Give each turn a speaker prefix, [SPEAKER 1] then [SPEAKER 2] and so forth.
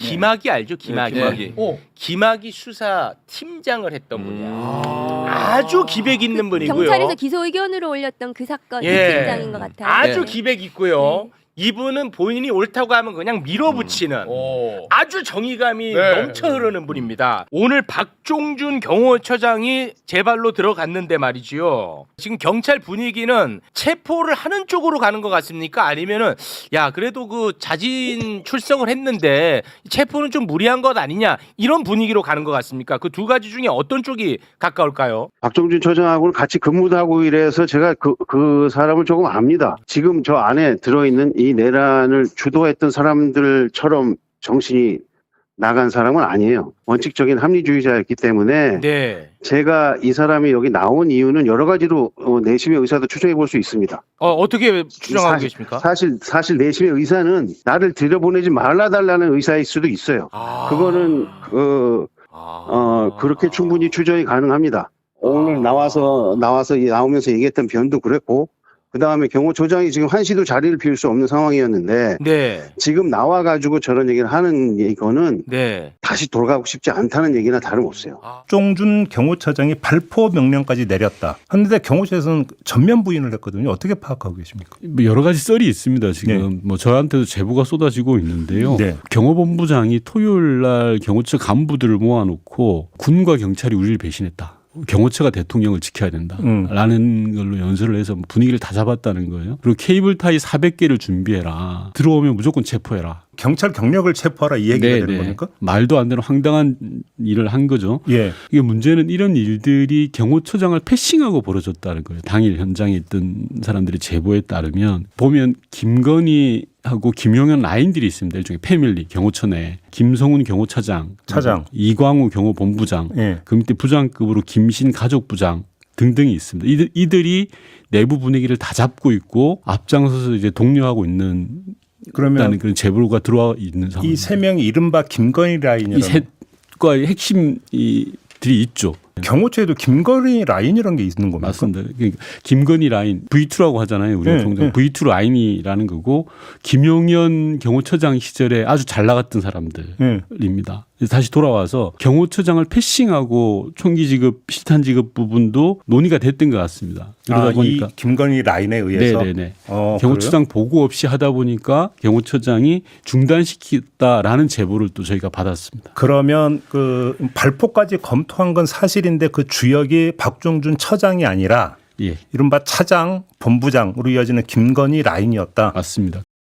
[SPEAKER 1] 김학이 알죠? 김학이.
[SPEAKER 2] 김학이.
[SPEAKER 1] 김학이 수사 팀장을 했던 분이야. 아주 기백 있는 분이고요.
[SPEAKER 3] 경찰에서 기소 의견으로 올렸던 그 사건
[SPEAKER 1] 예.
[SPEAKER 3] 팀장인 것 같아요.
[SPEAKER 1] 아주
[SPEAKER 3] 네.
[SPEAKER 1] 기백 있고요. 이분은 본인이 옳다고 하면 그냥 밀어붙이는 아주 정의감이
[SPEAKER 2] 네.
[SPEAKER 1] 넘쳐 흐르는 분입니다. 오늘 박종준 경호처장이 제 발로 들어갔는데 말이지요. 지금 경찰 분위기는 체포를 하는 쪽으로 가는 것 같습니까? 아니면은 야 그래도 그 자진 출석을 했는데 체포는 좀 무리한 것 아니냐 이런 분위기로 가는 것 같습니까? 그 두 가지 중에 어떤 쪽이 가까울까요?
[SPEAKER 4] 박종준 처장하고는 같이 근무도 하고 이래서 제가 그 사람을 조금 압니다. 지금 저 안에 들어있는 이 내란을 주도했던 사람들처럼 정신이 나간 사람은 아니에요. 원칙적인 합리주의자였기 때문에
[SPEAKER 1] 네.
[SPEAKER 4] 제가 이 사람이 여기 나온 이유는 여러 가지로 내심의 의사도 추정해 볼 수 있습니다.
[SPEAKER 1] 어떻게 추정하고 계십니까?
[SPEAKER 4] 사실 내심의 의사는 나를 들여보내지 말아달라는 의사일 수도 있어요. 그거는 그렇게 충분히 추정이 가능합니다. 오늘 나오면서 얘기했던 변도 그랬고, 그 다음에 경호처장이 지금 한시도 자리를 비울 수 없는 상황이었는데,
[SPEAKER 1] 네.
[SPEAKER 4] 지금 나와가지고 저런 얘기를 하는 이거는
[SPEAKER 1] 네.
[SPEAKER 4] 다시 돌아가고 싶지 않다는 얘기나 다름없어요.
[SPEAKER 5] 박종준 경호처장이 발포 명령까지 내렸다. 그런데 경호처에서는 전면 부인을 했거든요. 어떻게 파악하고 계십니까?
[SPEAKER 6] 뭐 여러 가지 썰이 있습니다. 지금
[SPEAKER 5] 네.
[SPEAKER 6] 뭐 저한테도 제보가 쏟아지고 있는데요.
[SPEAKER 5] 네.
[SPEAKER 6] 경호본부장이 토요일 날 경호처 간부들을 모아놓고 군과 경찰이 우리를 배신했다. 경호처가 대통령을 지켜야 된다라는 걸로 연설을 해서 분위기를 다 잡았다는 거예요. 그리고 케이블 타이 400개를 준비해라. 들어오면 무조건 체포해라.
[SPEAKER 5] 경찰 경력을 체포하라 이 얘기가 되는 겁니까?
[SPEAKER 6] 말도 안 되는 황당한 일을 한 거죠.
[SPEAKER 5] 예.
[SPEAKER 6] 이게 문제는 이런 일들이 경호처장을 패싱하고 벌어졌다는 거예요. 당일 현장에 있던 사람들의 제보에 따르면 보면 김건희하고 김용현 라인들이 있습니다. 일종의 패밀리 경호처 내 김성훈 경호차장, 이광우 경호본부장,
[SPEAKER 5] 예.
[SPEAKER 6] 그 밑에 부장급으로 김신 가족부장 등등이 있습니다. 이들이 내부 분위기를 다 잡고 있고 앞장서서 이제 독려하고 있는
[SPEAKER 5] 그러면
[SPEAKER 6] 그런 제보가 들어와 있는 상황.
[SPEAKER 5] 이 세 명이 이른바 김건희 라인이라는
[SPEAKER 6] 이 셋과의 핵심들이 있죠.
[SPEAKER 5] 경호처에도 김건희 라인이라는 게 있는 겁니까?
[SPEAKER 6] 맞습니다. 그러니까 김건희 라인 V2라고 하잖아요. 우리가 통상 V2 라인이라는 거고 김용현 경호처장 시절에 아주 잘 나갔던 사람들입니다. 다시 돌아와서 경호처장을 패싱하고 총기 지급, 실탄 지급 부분도 논의가 됐던 것 같습니다. 그러다 보니까
[SPEAKER 5] 이 김건희 라인에 의해서
[SPEAKER 6] 네네네. 경호처장 보고 없이 하다 보니까 경호처장이 중단시켰다라는 제보를 또 저희가 받았습니다.
[SPEAKER 5] 그러면 그 발포까지 검토한 건 사실인데 그 주역이 박종준 처장이 아니라
[SPEAKER 6] 예.
[SPEAKER 5] 이른바 차장, 본부장으로 이어지는 김건희 라인이었다.
[SPEAKER 6] 맞습니다.